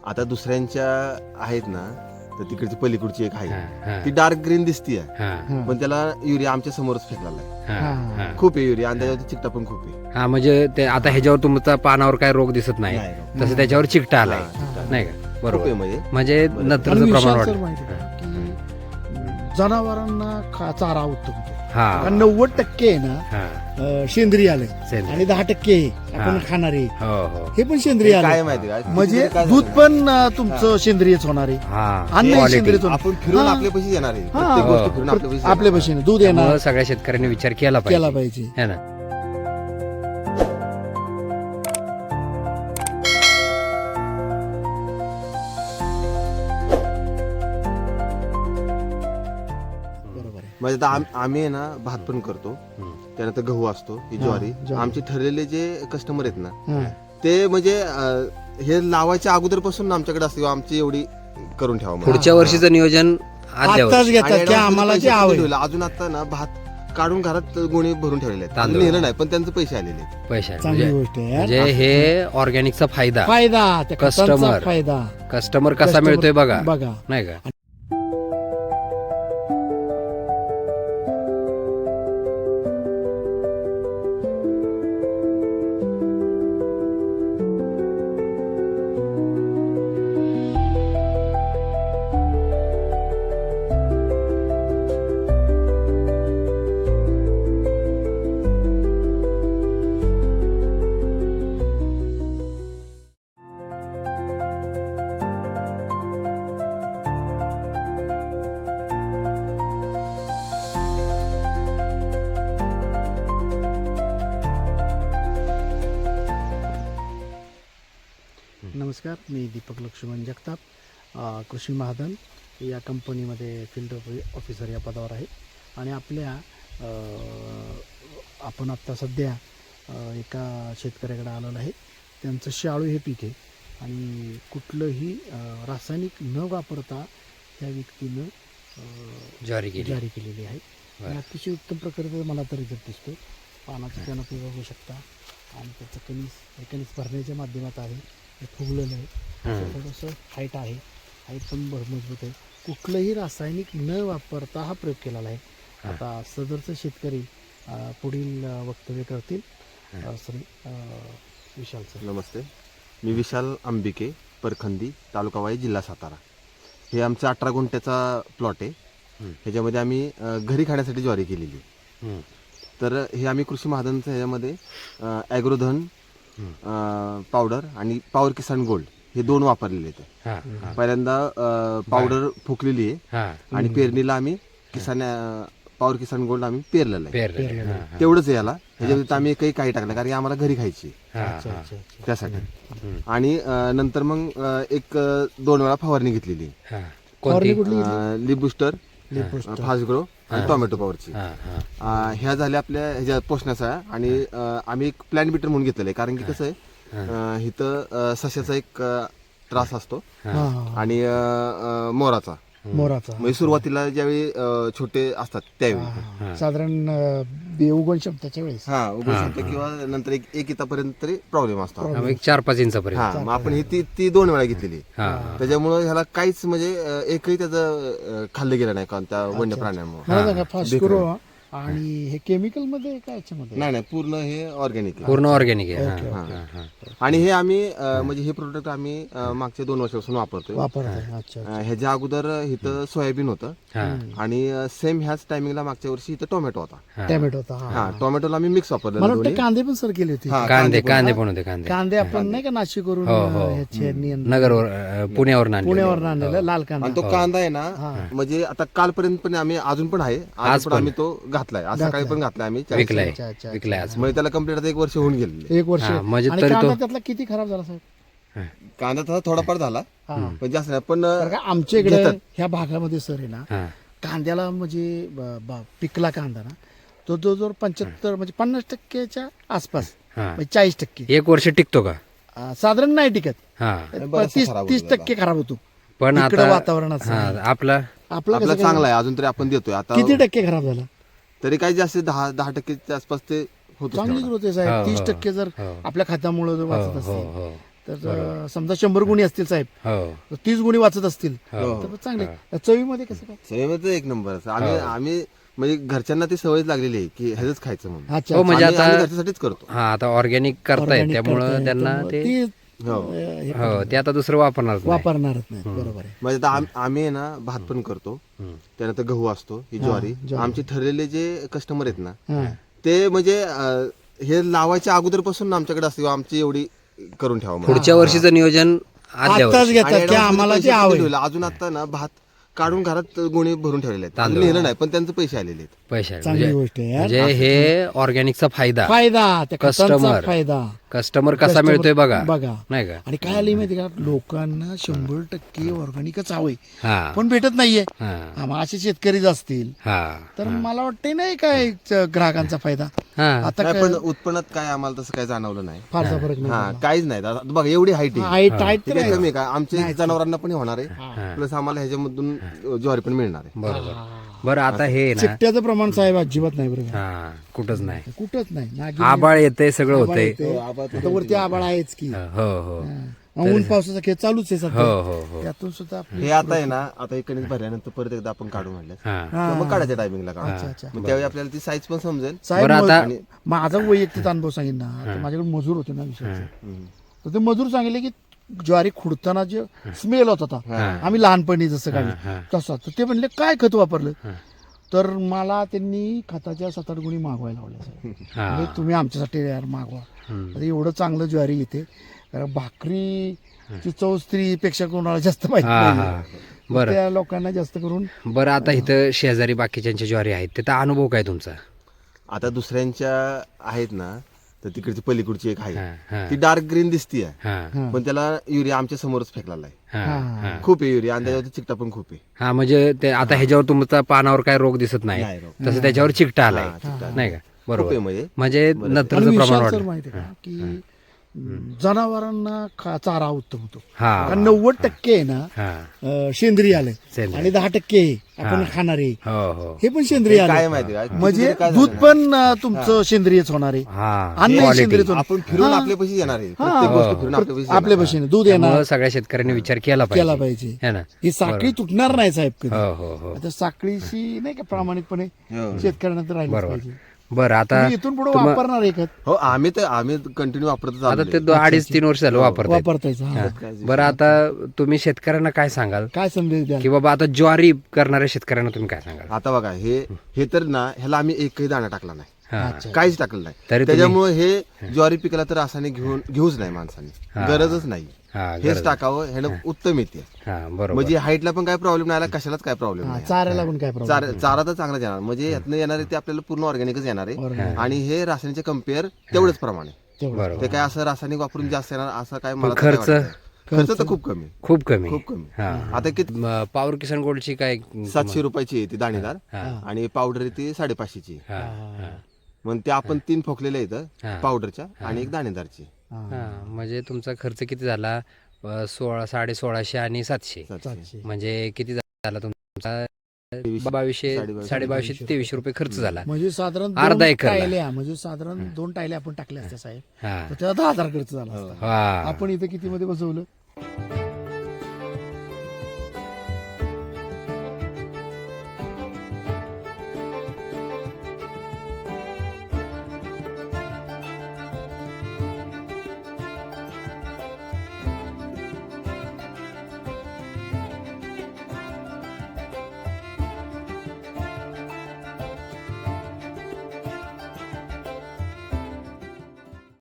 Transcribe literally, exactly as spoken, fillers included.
आता दुसऱ्यांच्या आहेत ना, तर तिकडची पलीकडची एक आहे, हा, ती डार्क ग्रीन दिसतीये, हा, पण त्याला युरिया आमच्या समोरच फेकलेला आहे. हा, हा. खूप आहे युरिया आणि त्याच्यावरती चिकटा पण खूप आहे. हा म्हणजे ते आता ह्याच्यावर तुमचा पानावर काय रोग दिसत नाही, नाही. तसं त्याच्यावर चिकटा आलाय, हा, चिकटा. नाही का? खूप आहे बरोबर. म्हणजे म्हणजे बरोबर. नत्रचं आणि प्रमाण विशाल वाढ. सर माहिती आहे का की जनावरांना खा- चारा उत्तम होतो. हा कारण नव्वद टक्के आहे ना हा अं, सेंद्रिय आले सेंद्रिय. आणि दहा टक्के हे आपण हा. खाणारे हो हो हे पण सेंद्रिय काय आले. माहिती का म्हणजे काय दूध झालं? पण अं, तुमचं सेंद्रियच होणार आहे. हा अन्न Quality. सेंद्रियच होणार. आपण फिरून हा. आपल्या पैसे येणार आहे. हा. प्रत्येक गोष्ट हो. फिरून आपल्या पैसे आपल्या येणार. पैशाने दूध येणार त्यामुळं सगळ्या शेतकऱ्यांनी विचार केला केला पाहिजे पाहिजे. है ना. बरोबर आहे. म्हणजे आता आम- आम्ही आहे ना भात पण करतो, हम्म. त्यानंतर गहू असतो, ही ज्वारी. ज्वारी. आमचे ठरलेले जे कस्टमर आहेत ना, हा. ते म्हणजे अं, हे लावायच्या अगोदरपासून आमच्याकडे असते किंवा आमची एवढी करून ठेवा म्हणून. पुढच्या वर्षीचं नियोजन आदल्या आत्ताच वर्षी. घेतात आणि की advance आम्हाला मध्ये जे पैसे हवंय ठेवले. अजून आता ना भात काढून घरात गोणी भरून ठेवलेले आहेत. तांदूळ. नेलं नाही पण त्यांचे पैसे आलेले आहेत. पैसे चांगली म्हणजे गोष्ट आहे यार. म्हणजे हे ऑर्गॅनिकचा फायदा फायदा त्या खतांचा Customer. फायदा कस्टमर कसा Customer मिळतोय बघा, बघा नाही का. नमस्कार, मी दीपक लक्ष्मण जगताप, अ, कृषी महाधन या कंपनीमध्ये फील्ड ऑफिसर या पदावर आहे. आणि आपल्या अ, आपण आत्ता सध्या अ, एका शेतकऱ्याकडे आलेलो आहे. त्यांचं शाळू हे पीक आहे आणि कुठलंही अ, रासायनिक न वापरता त्या व्यक्तीनं अ, ज्वारी केली. जारी केलेली आहे. बरं. आणि अतिशय उत्तम प्रकारे मला तर रिझल्ट दिसतो. पानाचं त्यानं तुम्ही बघू शकता आणि त्याचं कणीस हे कणीस भरण्याच्या माध्यमात आहे, हे फुगलेलं आहे. हम्म. थोडंसं हाईट आहे, हाईट पण भर मजबूत आहे. कुठलंही रासायनिक न वापरता हा प्रयोग केलेला आहे. हा. आता सदरचे शेतकरी अ, पुढील अ, वक्तव्य करतील. अ, श्री अ, विशाल सर. नमस्ते, मी विशाल अंबिके, परखंदी, तालुका वाई, जिल्हा सातारा. हे आमचा अठरा गुंठ्याचा प्लॉट आहे. हम्म. ह्याच्यामध्ये आम्ही अ, घरी खाण्यासाठी ज्वारी केलेली आहे. हम्म. तर हे आम्ही कृषी महाजनचं ह्याच्यामध्ये ॲग्रोधन पावडर आणि पॉवर किसान गोल्ड हे दोन वापरलेले आहेत. हा, हा, पहिल्यांदा पावडर फुकलेली आहे हा. आणि पेरणीला आम्ही किसान पॉवर किसान गोल्ड आम्ही पेरलेलं आहे. पेरलेलं. पेरलेलं. हा, हा. तेवढंच आहे याला. ह्याच्यामध्ये आम्ही काही काही टाकलं कारण की आम्हाला घरी खायची आहे. हा, अच्छा हा. अच्छा अच्छा. त्यासाठी. हम्म. आणि अ, नंतर मग अ, एक अ, दोन वेळा फवारणी घेतलेली हा. फवारणी कोणती? कुठली? लिप बुस्टर, लिपोस्ट. फास्ट ग्रो आणि टोमॅटो पॉवरची. हा, हा. अ, ह्या झाल्या आपल्या ह्याच्या पोषणाचा. आणि अ, आम्ही एक प्लॅन बीटर म्हणून घेतलेलं आहे कारण की कसं आहे अ, इथं अ, सस्याचा एक अ, त्रास असतो हा, हा, हा. आणि अ, अ, मोराचा. मोराचा. म्हणजे सुरुवातीला ज्यावेळी अ, छोटे असतात त्यावेळी हा, साधारण अ, बे- उगवण क्षमतेच्या वेळेस. हा उभं हा, शकतं किंवा नंतर एक एक इतापर्यंत तरी प्रॉब्लेम असतो. हा, मग एक चार पाच इंचापर्यंत. हा मग आपण ही ती ती दोन वेळा घेतलेली. हा, त्याच्यामुळं ह्याला काहीच म्हणजे अ, एकही त्याचं अ, खाल्लं गेलं नाही का त्या वन्य प्राण्यांमुळे. मला सांगा फास्ट बेकर. करो आणि हे केमिकल मध्ये काय याच्यामध्ये? नाही नाही पूर्ण हे ऑर्गॅनिक आहे. पूर्ण ऑर्गॅनिक आहे. ओके, हा, ओके. हा, हा. आणि हे आम्ही अ, म्हणजे हे प्रोडक्ट आम्ही अ, मागच्या दोन वर्षापासून वापरतोय. वापरत आहे. अच्छा अ, ह्याच्या अगोदर इथं सोयाबीन होतं हा, आणि सेम ह्याच टायमिंगला मागच्या वर्षी इथं टोमॅटो होता. हा. टॅमॅटो होता. हा. हा टोमॅटोला आम्ही मिक्स वापरलेलं मला वाटतं दोन्ही. कांदे पण सर केले होते. हा, कांदे पण. कांदे पण होते. कांदे कांदे आपण नाही का नाशिकवरून हो, हो. ह्याचे नियंत्रण- नगरवर अ, पुण्यावर आणले. पुण्यावर आणलेलं लाल कांदा. आणि तो कांदा आहे ना म्हणजे आता कालपर्यंत पण आम्ही अजून पण आहे आज आज पण पण. आम्ही तो घातलाय. आज सकाळी पण घातलाय आम्ही चाळीस. विकलाय अच्छा, अच्छा, विकलाय आज. म्हणजे त्याला कम्प्लीट आता एक वर्ष होऊन गेलेले. एक वर्ष. हा, म्हणजे आणि तरी कांदा तो- त्यातला किती खराब झाला साहेब? कांदा तसा थोडाफार झाला हा. पण जास्त नाही. पण कारण का आमच्या इकडे घेतात. ह्या भागामध्ये सर आहे ना हा, कांद्याला म्हणजे ब- ब- पिकला कांदा ना तो जो जो पंच्याहत्तर म्हणजे पन्नास टक्केच्या आसपास हा. म्हणजे चाळीस टक्के एक वर्ष टिकतो का? अं, साधारण नाही टिकत. हा, बराचसा तीस खराब तीस होतो टक्के खराब होतो. पण इकडं आता वातावरणाचं हा, आहे. आपला आपला आपला कसं चांगला आहे अजून तरी आपण देतोय काय? आता. किती टक्के खराब झाला? तरी काही जास्त दहा दहा टक्केच्या आसपास ते होतं. चांगली ग्रोथ आहे हो, साहेब. तीस हो, टक्के जर हो. आपल्या खात्यामुळे जर हो वाचत हो असेल हो तर अं, समजा शंभर गुणी असतील साहेब हो तर तीस गुणी वाचत असतील हो. तर चांगले. चवीमध्ये कसं काय? सवयीमध्ये एक नंबर असं. आम्ही आम्ही म्हणजे घरच्यांना ती सवय लागलेली आहे की ह्याच खायचं म्हणून. अच्छा हो म्हणजे आम्ही- आम्ही आता घरच्यासाठीच करतो. हा आता ऑर्गॅनिक करतायत Organic त्यामुळं करताय, त्यांना त्यामुळं ते ती, हो. अं, हे हो ते आता दुसरं वापरणार नाही. वापरणारच नाही. बरोबर आहे. म्हणजे आता आम- आम्ही आहे ना भात पण करतो, हम्म. त्यानंतर गहू असतो, ही ज्वारी. ज्वारी. आमचे ठरलेले जे कस्टमर आहेत ना हा. ते म्हणजे अं, हे लावायच्या अगोदरपासून आमच्याकडे असते आमची एवढी करून ठेवा म्हणून. पुढच्या वर्षीचं नियोजन आदल्या आताच वर्षी घेतात आणि की advance आम्हाला मध्ये ते पैसे आवड दिलेले. अजून आता ना भात काढून घरात गोणी भरून ठेवलेले आहेत. अजून तांदूळ. नेलं नाही पण त्यांचे पैसे आलेले आहेत. पैसे आहे. चांगली म्हणजे गोष्ट आहे यार. म्हणजे हे ऑर्गॅनिकचा फायदा फायदा त्या खतांचा Customer. फायदा कस्टमर कसा Customer मिळतोय बघा बघा. नाही का. आणि काय आली माहिती का लोकांना शंभर टक्के ऑर्गॅनिकच हवंय हा पण भेटत नाहीये. हा आम्हा असे शेतकरीच असतील हा तर मला वाटतंय नाही काय च- ग्राहकांचा फायदा हा आता नाही, काय पण उत्पन्नात काय आम्हाला तसं काय जाणवलं नाही. फारसा फरक हा नाही. काहीच नाही. आता बघा एवढी हाईट आहे. हाईट हाईट तर ठीक आहे, आहे. कमी आहे का आमच्या जनावरांना पण होणार आहे प्लस आम्हाला ह्याच्यामधून ज्वारी पण मिळणार आहे. बरोबर. बरं आता हे ना चिकट्याचं प्रमाण साहेब अजिबात नाही बरं का. हा कुठंच नाही. कुठंच नाही नागिन आबाळ येते सगळं आभाळ होतंय. येते. आता वरती आबाळ आहेच की. हो हो हा. ऊन पावसाचा खेळ चालूच आहे हो सध्या. हो हो त्यातून सुद्धा आपली- हे आता आहे ना आता एक कणीस भरल्यानंतर परत एकदा आपण काढू म्हणलं हा हा. मग काढायच्या टायमिंगला अच्छा, काढू अच्छा. मग त्यावेळी आपल्याला ती साईज पण समजेल. साहेब बरं मग- आता- माझा वैयक्तिक अनुभव सांगेन ना तर माझ्याकडे मजूर होते ना विषयाचे हम्म. तर ते मजूर सांगितले की ज्वारी खुडताना जे स्मेल होत होता आम्ही लहानपणी जसं हा. काढलं तसा तर ते म्हणले काय खत वापरलं तर मला त्यांनी खताच्या सात आठ गुणी मागवायला लावल्या साहेब. हा म्हणजे तुम्ही आमच्यासाठी यार मागवा. हम्म. आता एवढं चांगलं ज्वारी येते कारण भाकरीची चव स्त्रीपेक्षा कोणाला जास्त माहिती हा नाही. हा बरं त्या लोकांना जास्त करून बरं आता इथं शेजारी बाकीच्यांच्या ज्वारी आहेत त्याचा अनुभव काय तुमचा. आता दुसऱ्यांच्या आहेत ना तर तिकडची पलीकडची एक हा आहे हा ती डार्क ग्रीन दिसतीये हा हा. पण त्याला युरिया आमच्या समोरच फेकलेला आहे. हा हा खूप आहे युरिया आणि त्याच्यावरती चिकटा पण खूप आहे. हा म्हणजे ते आता ह्याच्यावर तुमचा पानावर काय रोग दिसत नाही नाही रोग. तसं त्याच्यावर चिकटा आलाय हा, चिकटा नाही का. खूप आहे बरोबर म्हणजे म्हणजे आणि नत्रचं प्रमाण विशाल सर वाढलं. माहिती आहे का की जनावरांना खा- चारा उत्तम होतो हा कारण नव्वद टक्के आहे ना हा अं, सेंद्रिय आलंय सेंद्रिय. आणि दहा टक्के आपण खाणारे हो हो हे पण सेंद्रिय काय आले माहिती का म्हणजे काय दूध झालं पण अं, तुमचं सेंद्रियच होणार आहे हा अन्न Quality. सेंद्रियच होणार. आपण फिरून आपल्या पैसे येणार आहे प्रत्येक गोष्ट फिरून आपल्या पैसे आपल्या भाषेने दूध येणार त्यामुळं सगळ्या शेतकऱ्यांनी विचार केला केला पाहिजे पाहिजे है ना. ही साखळी तुटणार नाही साहेब कधी हो हो हो आता साखळीशी नाही का प्रामाणिकपणे हो. शेतकऱ्यांना तर राहिलं बरोबर. पाहिजे बरं आता तुम्ही इथून पुढे वापरणार आहे खत हो आम्ही तर आम्ही कंटिन्यू वापरतच आता आलोय. ते दो- अडीच तीन वर्ष झालं वापरताय. वापरतायचं हा. बरं आता तुम्ही शेतकऱ्यांना काय सांगाल काय संदेश द्याल की बाबा आता ज्वारी करणाऱ्या शेतकऱ्यांना तुम्ही काय सांगाल. आता बघा हे हे तर ना ह्याला आम्ही एकही दाणा टाकला नाही हा अच्छा. काहीच टाकलं नाही तरी तुम्ही- त्याच्यामुळे हे ज्वारी पिकाला तर रासायनिक घेऊन घेऊच नाही माणसाने गरजच नाही हा हेच गरज. टाकावं ह्यानं उत्तम येते हा बरोबर म्हणजे हाईटला पण काय प्रॉब्लेम नाही आला कशालाच काय प्रॉब्लेम हा, नाही चाऱ्याला पण काय प्रॉब्लेम चार- चारा तर चांगलाच येणार म्हणजे यातनं येणार आहे ते आपल्याला पूर्ण ऑर्गॅनिकच येणार आहे Organic. आणि हे रासायनिकच्या कम्पेअर तेवढंच प्रमाणे तेवढं. बरोबर ते काय असं रासायनिक वापरून जास्त येणार असं काय मला तर खर्च? काय वाटत नाही. खर्च तर खूप कमी खूप कमी खूप कमी हा आता किती म, पॉवर किसान गोल्डची काय सातशे रुपयाची आहे ती दाणेदार हा. आणि पावडर आहे ती साडेपाचशेची हा हा मग ते आपण तीन फोकलेले हा. आहेत पावडरच्या आणि एक दाणेदारची हा. हा म्हणजे तुमचा खर्च किती झाला अ, सोळा साडे सोळाशे आणि सातशे सातशे. म्हणजे किती झाला तुमचा तेवीसशे, बावीसशे साडेबावीसशे, साडे बावीसशे तेवीसशे रुपये खर्च झाला. म्हणजे साधारण अर्धा दोन एकरला. टायल्या म्हणजे साधारण दोन टायल्या आपण टाकल्या असत्या साहेब हा तर त्याला दहा हजार खर्च झाला असता हा आपण इथं किती मध्ये बसवलं